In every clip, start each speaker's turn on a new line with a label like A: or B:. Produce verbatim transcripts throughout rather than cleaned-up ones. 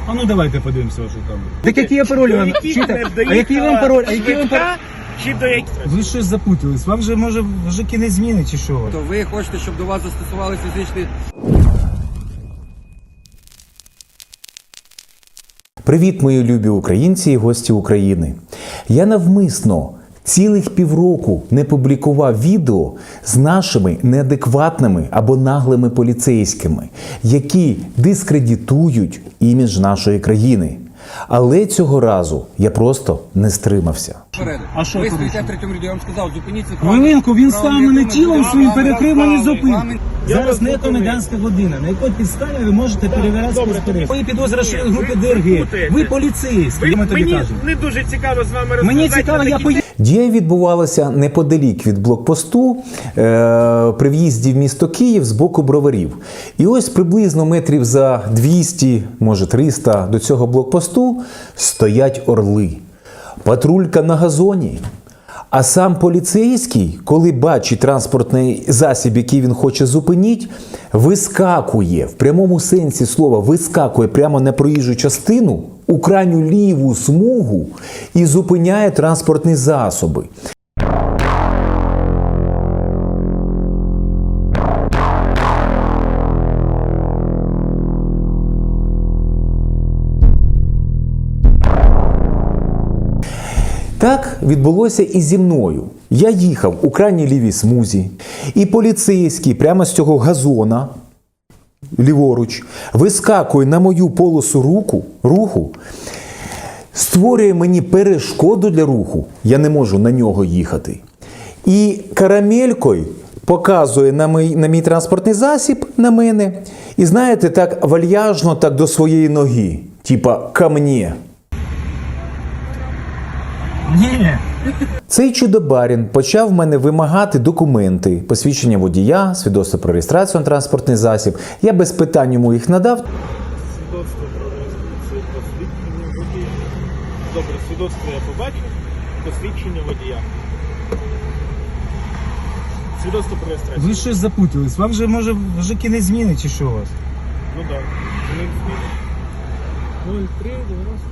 A: А ну давайте подивимося вашу камеру. Так який я пароль вам? Чуєте?
B: А
A: А який вам пароль? А який вам пароль?
B: Чи до яких?
A: Ви щось запутались. Вам же може вже кінець зміни чи що?
C: То ви хочете, щоб до вас застосували фізичний...
D: Привіт, мої любі українці і гості України. Я навмисно цілих півроку не публікував відео з нашими неадекватними або наглими поліцейськими, які дискредитують імідж нашої країни. Але цього разу я просто не стримався.
A: А що
C: ви
A: порушили?
C: стоїте в третьому ряду, я вам сказав, зупиніться.
A: Хвилинку, він став мене тілом своїм, перекрив мені зупинку.
B: Я
A: Зараз
B: вас
A: не
B: зупинив.
A: комендантська година. На якій підставі ви можете перевіряти
B: добре.
A: спецперевірку? Ви підозра, що ви
B: Ні,
A: групи
B: ви
A: ДРГ.
B: путаєте.
A: Ви поліцейські.
B: Ви,
A: Ми тобі
B: мені
A: кажемо.
B: не дуже цікаво з вами розмовляти.
A: Мені цікаво, я поїду.
D: Дія відбувалася неподалік від блокпосту е, при в'їзді в місто Київ з боку Броварів. І ось приблизно метрів за двісті, може триста до цього блокпосту стоять орли. Патрулька на газоні. А сам поліцейський, коли бачить транспортний засіб, який він хоче зупинити, вискакує, в прямому сенсі слова, вискакує прямо на проїжджу частину, у крайню ліву смугу і зупиняє транспортні засоби. Так відбулося і зі мною. Я їхав у крайній лівій смузі, і поліцейський прямо з цього газона, ліворуч, вискакує на мою полосу руку, руху, створює мені перешкоду для руху, я не можу на нього їхати. І карамелькою показує на мій, на мій транспортний засіб, на мене, і знаєте, так вальяжно так до своєї ноги, типа «ко мне».
A: Ні.
D: Цей чудо-барін почав в мене вимагати документи, посвідчення водія, свідоцтво про реєстрацію на транспортний засіб. Я без питань йому їх надав.
B: Свідоцтво про реєстрацію, посвідчення водія. Добре, свідоцтво я побачив, посвідчення водія. Свідоцтво про реєстрацію.
A: Ви щось запутались. Вам же може вже кінець зміни чи що у вас?
B: Ну так. нуль три дев'яносто.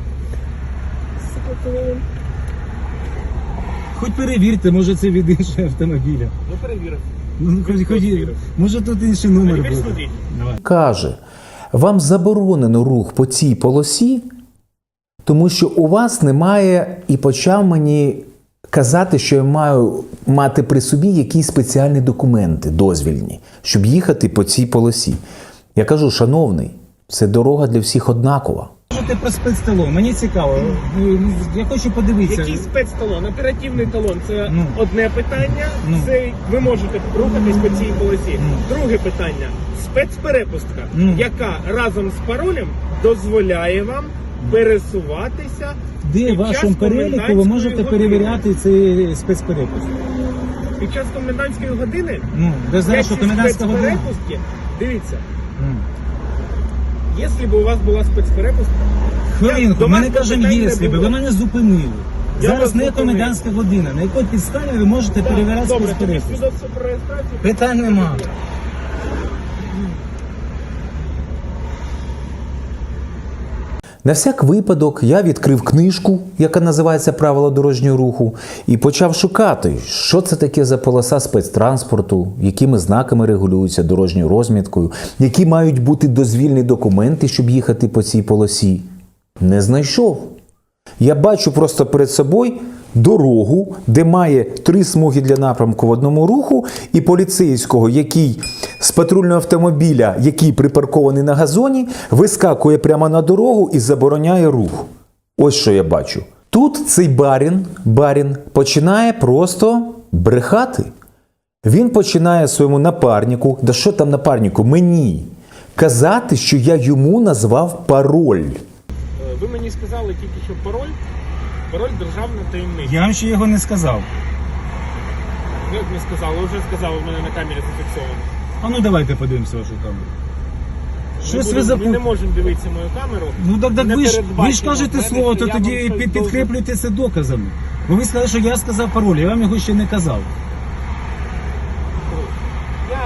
A: Хоч перевірте, може це від іншого автомобіля.
B: Ну перевірив.
A: Ну, хоч, хоч,
B: Перевірив.
A: може тут інший номер
B: Тепер
A: буде.
B: смотріть.
A: Давай.
D: Каже, вам заборонено рух по цій полосі, тому що у вас немає, і почав мені казати, що я маю мати при собі якісь спеціальні документи, дозвільні, щоб їхати по цій полосі. Я кажу, шановний, це дорога для всіх однакова.
A: Можете про спецталон, мені цікаво. Я хочу подивитися.
B: Який спецталон? Оперативний талон це
A: Ну.
B: одне питання.
A: Ну.
B: Це ви можете рухатись по цій полосі.
A: Ну.
B: Друге питання спецперепустка,
A: Ну.
B: яка разом з паролем дозволяє вам пересуватися.
A: Де в
B: під час
A: вашому переліку ви
B: комендантської
A: можете
B: години.
A: перевіряти цей спецперепуск?
B: Під час комендантської години?
A: Ну, ви знаєте, що
B: ці
A: комендантська година?
B: спецперепустки, дивіться,
A: Ну.
B: якщо б у вас була спецперепустка,
A: Хвилинку,
B: до
A: ми
B: вас
A: не кажемо,
B: питань не
A: якщо би,
B: було.
A: ви мене зупинили.
B: Я
A: Зараз
B: вас
A: не
B: зупинив.
A: комендантська година. На якій підставі ви можете перевіряти
B: добре, тоді
A: спецперепуск?
B: свідоцтво про реєстрацію.
A: Питань нема.
D: На всяк випадок я відкрив книжку, яка називається «Правила дорожнього руху», і почав шукати, що це таке за полоса спецтранспорту, якими знаками регулюється дорожньою розміткою, які мають бути дозвільні документи, щоб їхати по цій полосі. Не знайшов. Я бачу просто перед собою дорогу, де має три смуги для напрямку в одному руху, і поліцейського, який з патрульного автомобіля, який припаркований на газоні, вискакує прямо на дорогу і забороняє рух. Ось що я бачу. Тут цей барін, барін починає просто брехати. Він починає своєму напарнику, да що там напарнику, мені, казати, що я йому назвав пароль.
B: Ви мені сказали тільки, що пароль, пароль державна таємниця.
A: Я вам ще його не сказав.
B: Як не сказали, вже сказали, в мене на камері зафіксовано.
A: А ну давайте подивимося вашу камеру. Щось ви
B: Ми, будемо- ми
A: запутали.
B: не можемо дивитися мою камеру.
A: Ну так, так
B: Не
A: ви ж, ви ж
B: передбачено
A: кажете
B: в мене,
A: слово,
B: що
A: то
B: я
A: тоді
B: вам щось
A: під,
B: должен-
A: підкріплюйте це доказами. Бо ви сказали, що я сказав пароль, я вам його ще не казав.
B: Я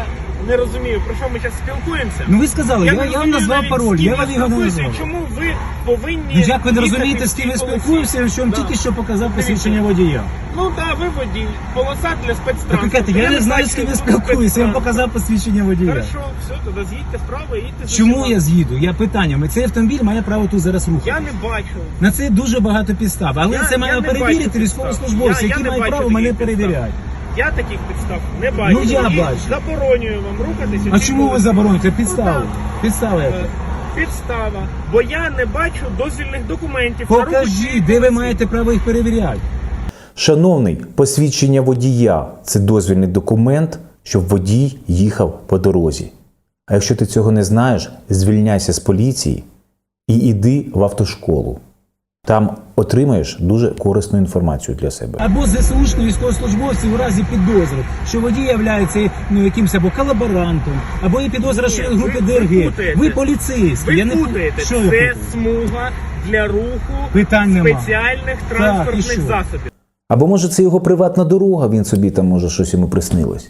B: не розумію, про що ми зараз спілкуємося.
A: Ну ви сказали, я,
B: не
A: я, вам
B: розумію
A: назвав
B: навіть,
A: пароль,
B: з ким
A: я вам його не
B: спілкуюся,
A: назвав.
B: Чому ви повинні...
A: Ну як ви не
B: їхати
A: розумієте,
B: в
A: з ким я
B: цій полосі?
A: спілкуюся, я вам
B: Да.
A: тільки що показав
B: Дивіться.
A: посвідчення водія.
B: Ну так, ви водій. Полоса для спецтранспорту.
A: Так, я не знаю, з ким я спілкуюся, я вам показав посвідчення водія.
B: Хорошо, все, тоді з'їдьте вправо і їдьте.
A: Чому
B: сюди.
A: я з'їду? Я питання. Цей автомобіль має право тут зараз рухати.
B: Я не бачу.
A: На це дуже багато підстав. Але
B: Я-
A: це
B: я
A: має
B: не
A: перевірити
B: бачу
A: військовослужбовці,
B: підстав. Я- я
A: які
B: не
A: мають
B: бачу
A: право
B: таких
A: мене
B: підстав.
A: перевіряти.
B: Я таких підстав не бачу.
A: Ну, я
B: І
A: бачу.
B: заборонюю вам рухатися.
A: А
B: в цій
A: чому ви
B: полосі.
A: забороните?
B: Ну,
A: Підстава.
B: так.
A: Підстава
B: Е,
A: яка?
B: Підстава. Бо я не бачу дозвільних документів. на рух у цій
A: Покажіть, де ви
B: полосі.
A: маєте право їх перевіряти.
D: Шановний, посвідчення водія – це дозвільний документ, щоб водій їхав по дорозі. А якщо ти цього не знаєш, звільняйся з поліції і йди в автошколу. Там отримаєш дуже корисну інформацію для себе.
A: Або ЗСУшні військовослужбовці у разі підозри, що водій є ну, якимось або колаборантом, або є підозра, що
B: Ні,
A: він в групі
B: ви- ви
A: ДРГ.
B: путаєте.
A: Ви поліцейські.
B: Ви
A: я не
B: путаєте.
A: Що ви
B: Це
A: путаєте?
B: смуга для руху
A: Питань нема.
B: спеціальних
A: і
B: транспортних
A: що?
B: засобів.
D: Або може це його приватна дорога, він собі там може щось йому приснилось.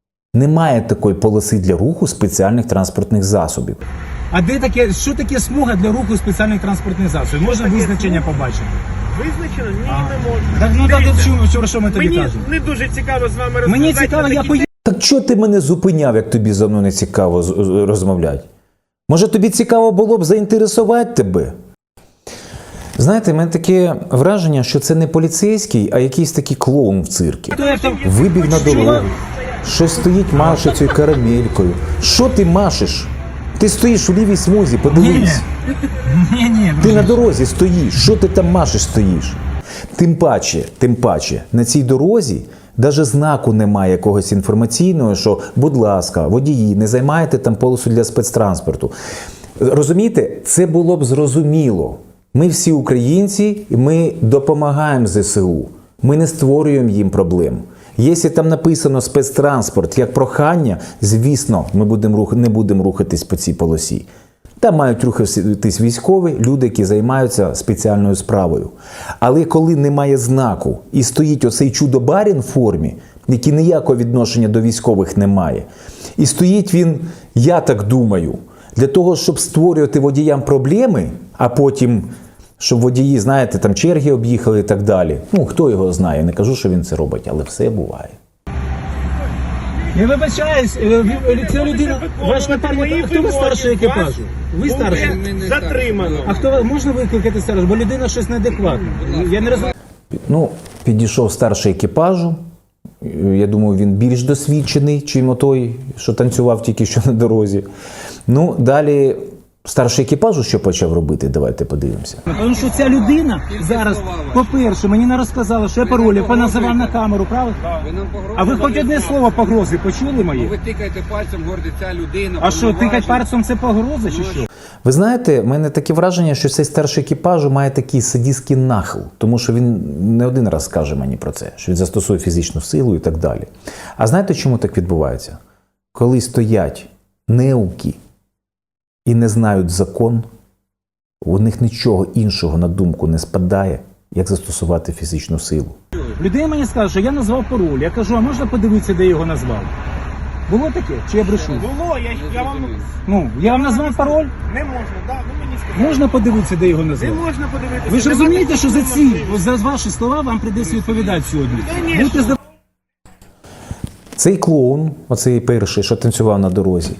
D: Немає такої полоси для руху спеціальних транспортних засобів.
A: А де таке, що таке смуга для руху спеціальних транспортних засобів? Можна
B: таке
A: визначення
B: смуга?
A: побачити?
B: Визначено? Ні,
A: А.
B: не можна.
A: Так, ну так,
B: Дивіться,
A: чому, що, що ми тобі
B: Мені
A: кажемо?
B: не дуже цікаво з вами розмовляти.
A: Мені цікаво,
B: на
A: я
B: такі
A: поїду.
D: Так чого ти мене зупиняв, як тобі за мною не цікаво з- з- розмовляти? Може тобі цікаво було б заінтересувати тебе? Знаєте, в мене таке враження, що це не поліцейський, а якийсь такий клоун в циркі.
A: Хто я там?
D: Вибіг на
A: Що?
D: дорогу. Щось стоїть, маше цією карамелькою. Що ти машеш? Ти стоїш у лівій смузі, подивись.
A: Ні, ні,
D: Ти на дорозі стоїш. Що ти там машеш стоїш? Тим паче, тим паче, на цій дорозі навіть знаку немає якогось інформаційного, що, будь ласка, водії, не займайте там полосу для спецтранспорту. Розумієте, це було б зрозуміло. Ми всі українці, і ми допомагаємо ЗСУ. Ми не створюємо їм проблем. Якщо там написано спецтранспорт як прохання, звісно, ми будемо рух... не будемо рухатись по цій полосі. Там мають рухатись військові, люди, які займаються спеціальною справою. Але коли немає знаку і стоїть оцей чудо-барін в формі, який ніякого відношення до військових не має, і стоїть він, я так думаю, для того, щоб створювати водіям проблеми, а потім, щоб водії, знаєте, там черги об'їхали і так далі. Ну, хто його знає, не кажу, що він це робить, але все буває.
A: Я вибачаюсь, е, ви- ця людина, ваш напарник, а хто ви старший екіпажу? Ви старший?
B: Буде затримано.
A: А хто ви- можна викликати старшого? Бо людина щось неадекватна. Я не розумію.
D: Ну, підійшов старший екіпажу. Я думаю, він більш досвідчений, чим той, що танцював тільки що на дорозі. Ну, далі старший екіпажу що почав робити, давайте подивимося.
A: Тому що ця людина зараз, по-перше, мені не розказала, що я пароль, я поназивав на камеру, правда?
C: Ви нам погрожували.
A: А ви хоч одне слово погрози почули мої?
C: Ви тикаєте пальцем, говорите, ця людина.
A: А що, тикать
C: повноважена.
A: пальцем це погроза чи що?
D: Ви знаєте, в мене таке враження, що цей старший екіпажу має такий садистський нахил, тому що він не один раз скаже мені про це, що він застосує фізичну силу і так далі. А знаєте, чому так відбувається? Коли стоять неуки і не знають закон, у них нічого іншого на думку не спадає, як застосувати фізичну силу.
A: Людина мені скаже, що я назвав пароль. Я кажу, а можна подивитися, де його назвав? Було таке? Чи я брешу?
B: Було, я, я вам
A: Ну, я вам назвав пароль?
B: не можна, да, ви мені сказали.
A: Можна подивитися, де його
B: Не
A: назвав?
B: можна подивитися.
A: Ви ж
B: Немає
A: розумієте, що за ці,
B: можливості.
A: за ваші слова вам прийдеться відповідати сьогодні.
B: Конечно.
A: Будьте здорові.
D: Цей клоун, оцей перший, що танцював на дорозі,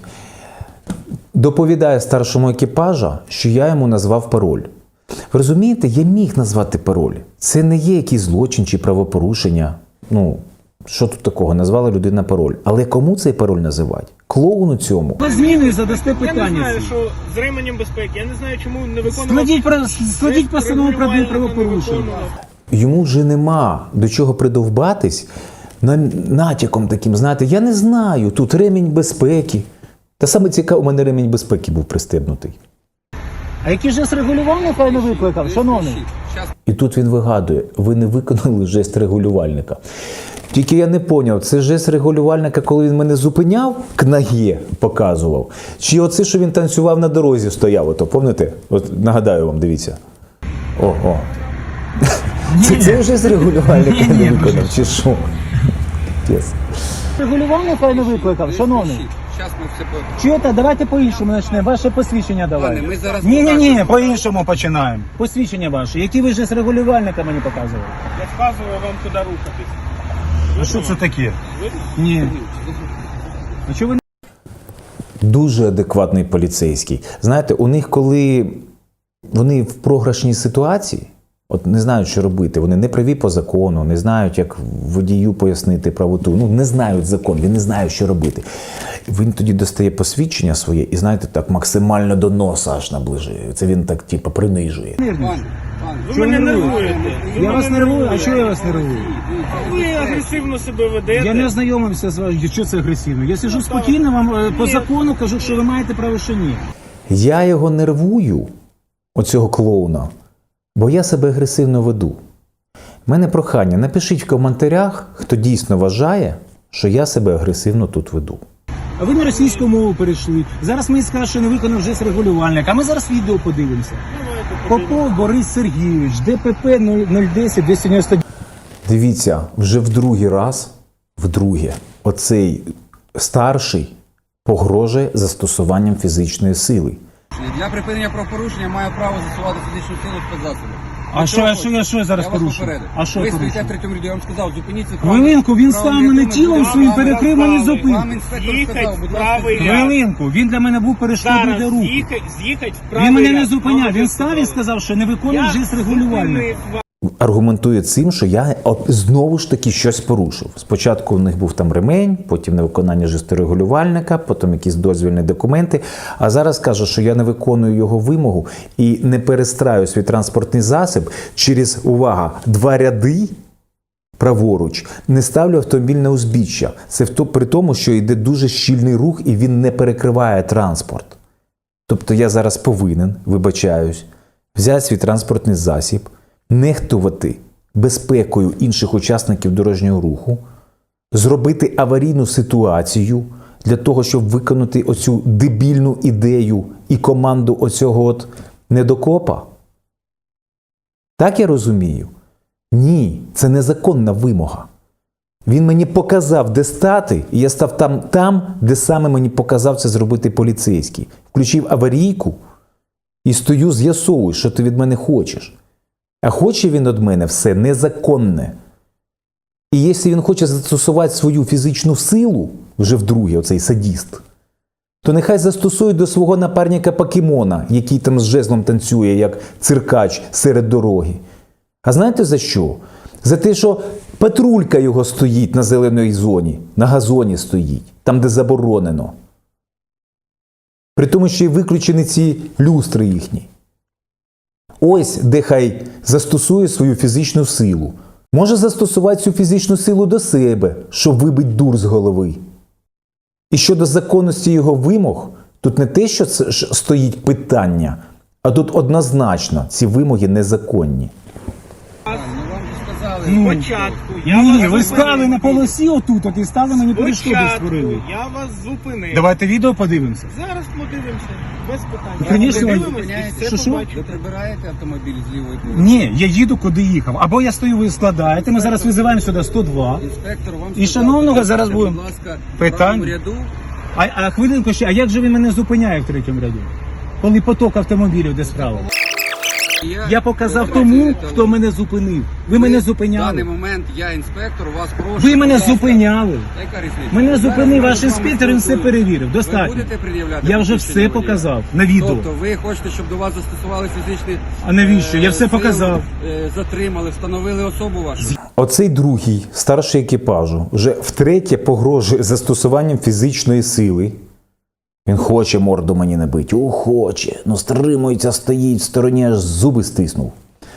D: доповідає старшому екіпажа, що я йому назвав пароль. Ви розумієте, я міг назвати пароль. Це не є якийсь злочин чи правопорушення. Ну, що тут такого? Назвала людина пароль. Але кому цей пароль називати? Клоуну цьому.
A: Ви зміни задасте
B: Я не
A: питання.
B: знаю,
A: ці.
B: що з ременем безпеки, я не знаю, чому не виконував.
A: Складіть, про- складіть постанову про адмінправопорушення.
D: Йому вже нема до чого придовбатись на натяком таким, знаєте, я не знаю, тут ремінь безпеки. Та саме цікаво, у мене ремінь безпеки був пристебнутий.
A: А який жест регулювання хай не викликав, шановний?
C: Щас
D: І тут він вигадує, ви не виконали жест регулювальника. Тільки я не поняв, це жест регулювальника, коли він мене зупиняв, к ноге показував, чи оце, що він танцював на дорозі, стояв, ото, пам'ятаєте? От нагадаю вам, дивіться. О, о. Це, це жест регулювальника не виконав, чи що? Yes.
A: Регулювання хай не викликав, шановний?
C: зараз ми все по...
A: Чуєте, давайте по-іншому почнемо. Ваше посвідчення
C: Пане,
A: давайте.
C: ми зараз
A: Ні, ні, ні,
C: покажемо.
A: по-іншому починаємо. Посвідчення ваше, які ви вже з регулювальника мені показували.
B: Я вказував вам, куди рухатись.
A: А що це таке?
B: Видно?
A: Ні. А чого ви
D: Дуже адекватний поліцейський. Знаєте, у них, коли вони в програшній ситуації, от не знають, що робити, вони не праві по закону, не знають, як водію пояснити правоту, ну не знають закон, він не знає, що робити. Він тоді достає посвідчення своє і, знаєте, так максимально до носа аж наближує. Це він так, типу, принижує.
C: Пане, пане,
B: Ви
A: Чого
B: мене
A: ви
B: нервуєте. Ви
A: Я вас
B: мене
A: нервую? А
B: нервуєте.
A: чого я вас нервую?
B: Ви агресивно себе ведете.
A: Я не ознайомився з вами, що це агресивно. Я сиджу спокійно, вам е, по
B: Ні.
A: закону кажу, що ви маєте право, що ні.
D: Я його нервую, оцього клоуна, бо я себе агресивно веду. У мене прохання, напишіть в коментарях, хто дійсно вважає, що я себе агресивно тут веду.
A: А ви на російську мову перейшли. Зараз мені скажуть, що не виконав вже з регулювальник. А ми зараз відео подивимося. Попов Борис Сергійович, ДПП нуль десять двісті дев'яносто дев'ять.
D: Дивіться, вже в другий раз, вдруге, оцей старший погрожує застосуванням фізичної сили.
C: Для припинення правопорушення маю право застосувати фізичну силу спецзасобів.
A: А що, а що я що я зараз
C: Я вас
A: порушую?
C: попередив.
A: А що
C: ви
A: я
C: стоїте в
A: порушую?
C: третьому ряді, я вам сказав, зупиніться.
A: Хвилинку, він став мене тілом своїм, перекрив мені
C: Вам
A: зупинку.
C: інспектор
B: Їхать
C: сказав, будь ласка,
B: правий
C: зупиніться.
B: ряд.
A: Хвилинку, він для мене був перешкодою
B: Зараз
A: для руху.
B: з'їхать, з'їхать в правий
A: Він мене не
B: ряд.
A: зупиняв,
B: Вам
A: він
B: вже
A: став і
B: сказали.
A: сказав, що не виконує
B: Я
A: вже з регулювальника.
B: зупинив вас.
D: Аргументує цим, що я от знову ж таки щось порушив. Спочатку в них був там ремень, потім невиконання жесторегулювальника, потім якісь дозвільні документи. А зараз каже, що я не виконую його вимогу і не перестраю свій транспортний засіб через, увага, два ряди праворуч, не ставлю автомобіль на узбіччя. Це в то- при тому, що йде дуже щільний рух і він не перекриває транспорт. Тобто я зараз повинен, вибачаюсь, взяти свій транспортний засіб, нехтувати безпекою інших учасників дорожнього руху, зробити аварійну ситуацію для того, щоб виконати оцю дебільну ідею і команду оцього от недокопа? Так я розумію? Ні, це незаконна вимога. Він мені показав, де стати, і я став там, там, де саме мені показав це зробити поліцейський. Включив аварійку і стою, з'ясовую, що ти від мене хочеш. А хоче він від мене все незаконне. І якщо він хоче застосувати свою фізичну силу, вже вдруге, оцей садіст, то нехай застосує до свого напарника покемона, який там з жезлом танцює, як циркач серед дороги. А знаєте за що? За те, що патрулька його стоїть на зеленій зоні, на газоні стоїть, там, де заборонено. При тому, що й виключені ці люстри їхні. Ось де хай застосує свою фізичну силу. Може застосувати цю фізичну силу до себе, щоб вибити дур з голови. І щодо законності його вимог, тут не те, що це ж стоїть питання, а тут однозначно ці вимоги незаконні.
C: Ну, вам же сказали.
A: Ну,
B: Спочатку я
A: Ні,
B: вас
A: ви
B: зупинив.
A: стали на полосі отут, от і стали мені перешкоди
B: Спочатку
A: створили.
B: я вас зупинив.
A: Давайте відео подивимося.
B: Зараз подивимося. Без питань.
A: Конечно,
B: Ми
A: ви
B: подивимось і
C: зупиняєте.
B: все
A: Що, що?
B: побачимо.
C: Ви прибираєте автомобіль з лівої полоси.
A: Ні, я їду, куди їхав. Або я стою, ви складаєте, ми зараз визиваємо сюди сто два.
C: Інспектор вам
A: І
C: сказав,
A: шановного
C: будь
A: зараз
C: ласка,
A: будемо.
C: Будь ласка, в
A: Питань.
C: правому ряду.
A: А, а хвилинку ще, а як же він мене зупиняє в третьому ряді? Коли поток автомобілів де справа? Я показав тому, хто мене зупинив. Ви мене
C: В даний
A: зупиняли.
C: момент я інспектор, вас прошу.
A: Ви мене
C: будь ласка.
A: зупиняли.
C: Яка різниця?
A: Мене
C: Зараз
A: зупинив
C: ми
A: ваш
C: з вами
A: інспектор, він все
C: спілкуємося.
A: перевірив.
C: Ви
A: Достатньо.
C: будете пред'являти
A: Я вже
C: посвідчення
A: все
C: водія?
A: показав на відео.
C: Тобто ви хочете, щоб до вас застосували фізичні...
A: А навіщо? Я
C: е,
A: все
C: сили,
A: показав.
C: е, Затримали, встановили особу вашу.
D: Оцей другий, старший екіпажу, вже втретє погрожує застосуванням фізичної сили. Він хоче морду мені набити. О, хоче. Ну, стримується, стоїть в стороні, аж зуби стиснув.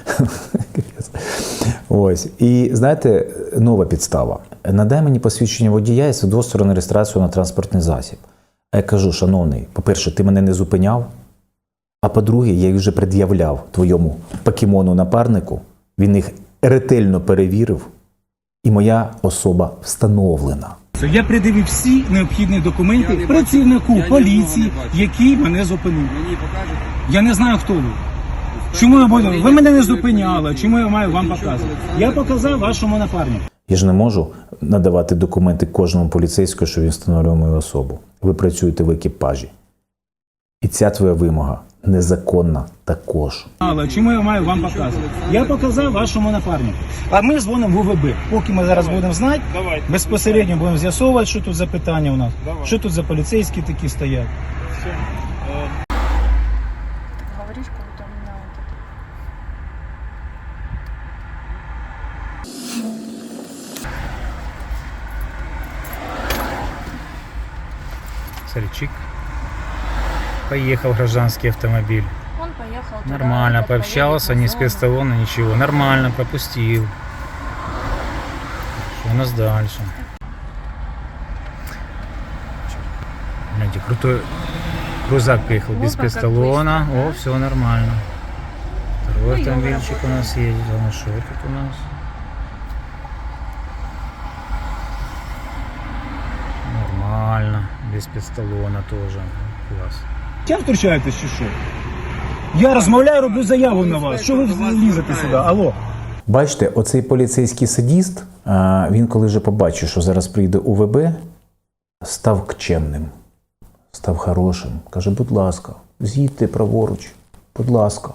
D: Ось. І, знаєте, нова підстава. Надай мені посвідчення водія і свідоцтво на реєстрацію на транспортний засіб. А я кажу, шановний, по-перше, ти мене не зупиняв, а по-друге, я їх вже пред'являв твоєму покемону-напарнику. Він їх ретельно перевірив, і моя особа встановлена.
A: Я придивив всі необхідні
C: Я
A: документи
C: не
A: працівнику
C: бачу. Я
A: поліції,
C: нікого не бачу.
A: який мене зупинив.
C: Мені покажете?
A: Я не знаю, хто ви.
C: Інспектор
A: Чому я буду?
C: управління
A: Ви мене не
C: патрульної
A: зупиняли.
C: поліції.
A: Чому я маю вам
C: Лисичук
A: показувати?
C: Олександр
A: Я показав вашому напарнику.
D: Я ж не можу надавати документи кожному поліцейському, що він встановлює мою особу. Ви працюєте в екіпажі. І ця твоя вимога незаконна також.
A: Але чому я маю вам показувати? Я показав вашому напарнику. А ми дзвонимо в У В Б. Поки ми зараз будемо знати,
B: Давайте.
A: безпосередньо будемо з'ясовувати, що тут за питання у нас.
B: Давай.
A: Що тут за поліцейські такі стоять.
B: Все. Е,
E: Говоришь, как будто у меня вот это.
A: Сальчик. Поехал гражданский автомобиль.
E: Он поехал туда,
A: Нормально,
E: этот
A: пообщался,
E: поедет
A: ни
E: на зону.
A: спецталона, ничего. Нормально, пропустил. Что у нас дальше? Знаете, крутой крузак приехал без
E: Вот как
A: спецталона.
E: быстро, да?
A: О, все нормально. Второй
E: Ну,
A: автомобильчик
E: ёлка
A: у нас едет. А ну что тут у нас? Нормально. Без спецталона тоже. Класс. Чим втручаєтесь чи що? Я розмовляю, роблю заяву на вас. Що ви лізете сюди? Алло.
D: Бачите, оцей поліцейський садіст, а, він коли вже побачив, що зараз прийде У В Б, став кчемним, став хорошим. Каже, будь ласка, з'їдьте праворуч, будь ласка.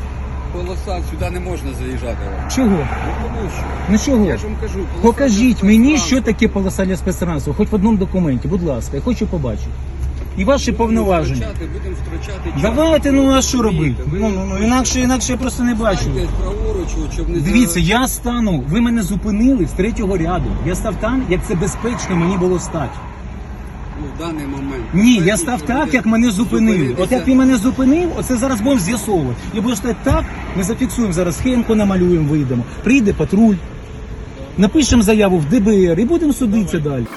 C: Полоса, сюди не можна заїжджати.
A: Чого?
C: Ну, тому що.
A: Ну чого?
C: Я ж вам кажу, полоса
A: Покажіть
C: для
A: мені,
C: спецтранспорту.
A: що таке полоса для спецтранспорту, хоч в одному документі, будь ласка, я хочу побачити. І ваші
C: Будемо
A: повноваження.
C: втрачати, будемо втрачати час.
A: Давайте, ну а що робити?
C: Ви-
A: Ну, ну, ну, інакше, інакше я просто не бачу.
C: Станьте праворуч, щоб не
A: Дивіться,
C: за-
A: я стану, ви мене зупинили з третього ряду. Я став там, як це безпечно мені було стати.
C: Ну, в даний момент.
A: Ні, я
C: Знаєте,
A: став
C: що
A: так,
C: буде
A: як мене зупинили.
C: зупинитися?
A: От як ти мене зупинив, оце зараз будемо з'ясовувати. Я буду стати так, ми зафіксуємо зараз схемку, намалюємо, вийдемо. Прийде патруль, напишемо заяву в Д Б Р і будемо судитися далі.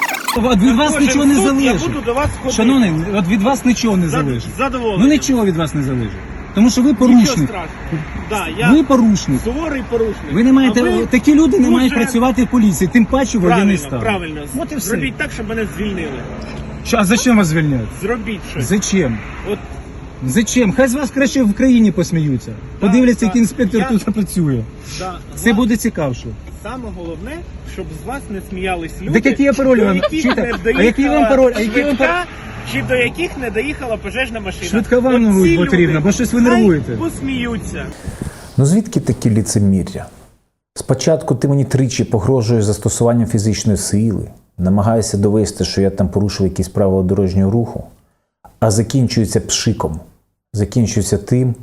A: От від вас
B: кожен
A: нічого не
B: суд Я
A: залежить.
B: буду до вас ходити.
A: Шановний, от від вас нічого не
B: Зад-
A: залежить.
B: Задоволений.
A: Ну нічого від вас не залежить. Тому що ви
B: Нічого
A: порушник.
B: страшного. Да, я
A: Ви порушник.
B: суворий порушник.
A: Ви не маєте,
B: А ви
A: такі люди не
B: дуже-
A: мають працювати в поліції, тим паче в воєнний
B: Правильно,
A: стан.
B: правильно.
A: От і все.
B: Зробіть так, щоб мене звільнили.
A: Що, а зачем вас звільняти?
B: Зробіть щось.
A: Зачем?
B: От
A: Зачем? Хай з вас краще в країні посміються. Подивляться,
B: так.
A: який інспектор
B: Я-
A: тут працює.
B: да,
A: Це
B: гла-
A: буде цікавше.
B: Саме головне, щоб з вас не сміялись люди.
A: Так який я пароль
B: до
A: вам-
B: яких
A: чуєте?
B: не
A: А
B: доїхала
A: який вам пароль? А який вам
B: швидка, чи до яких не доїхала пожежна машина.
A: Швидка вам
B: От
A: не
B: ці
A: потрібно,
B: люди
A: бо щось ви
B: хай
A: нервуєте.
B: посміються.
D: Ну звідки такі ліцемір'я? Спочатку ти мені тричі погрожуєш застосуванням фізичної сили, намагаєшся довести, що я там порушив якісь правила дорожнього руху, а закінчується пшиком. Закінчується тим,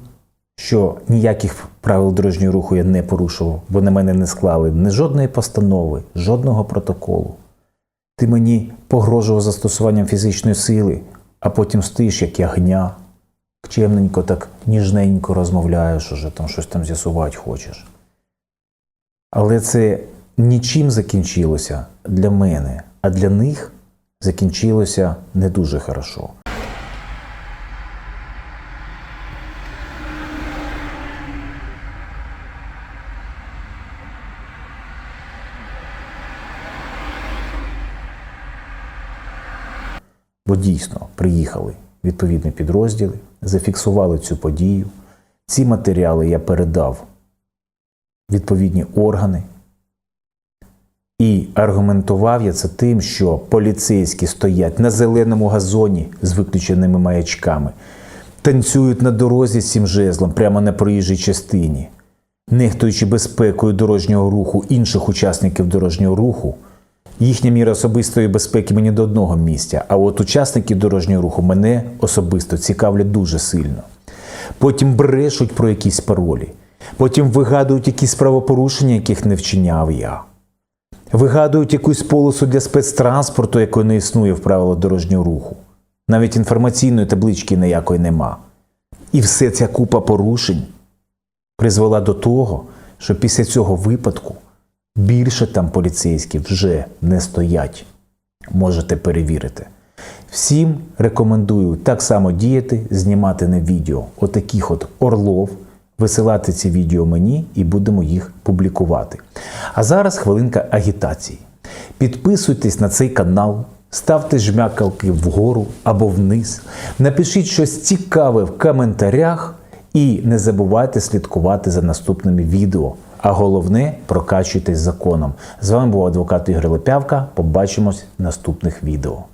D: що ніяких правил дорожнього руху я не порушував, бо на мене не склали ні жодної постанови, жодного протоколу. Ти мені погрожував застосуванням фізичної сили, а потім стоїш, як ягня, чемненько, так ніжненько розмовляєш, уже там щось там з'ясувати хочеш. Але це нічим закінчилося для мене, а для них закінчилося не дуже хорошо. Бо дійсно приїхали відповідні підрозділи, зафіксували цю подію. Ці матеріали я передав в відповідні органи. І аргументував я це тим, що поліцейські стоять на зеленому газоні з виключеними маячками, танцюють на дорозі з цим жезлом прямо на проїжджій частині, нехтуючи безпекою дорожнього руху інших учасників дорожнього руху. Їхня міра особистої безпеки мені до одного місця, а от учасники дорожнього руху мене особисто цікавлять дуже сильно. Потім брешуть про якісь паролі, потім вигадують якісь правопорушення, яких не вчиняв я. Вигадують якусь полосу для спецтранспорту, якої не існує в правилах дорожнього руху. Навіть інформаційної таблички ніякої нема. І все ця купа порушень призвела до того, що після цього випадку більше там поліцейські вже не стоять. Можете перевірити. Всім рекомендую так само діяти, знімати на відео отаких от орлов, висилати ці відео мені і будемо їх публікувати. А зараз хвилинка агітації. Підписуйтесь на цей канал, ставте жмякалки вгору або вниз, напишіть щось цікаве в коментарях і не забувайте слідкувати за наступними відео. а головне – прокачуйтесь законом. З вами був адвокат Ігор Лепявка. Побачимось в наступних відео.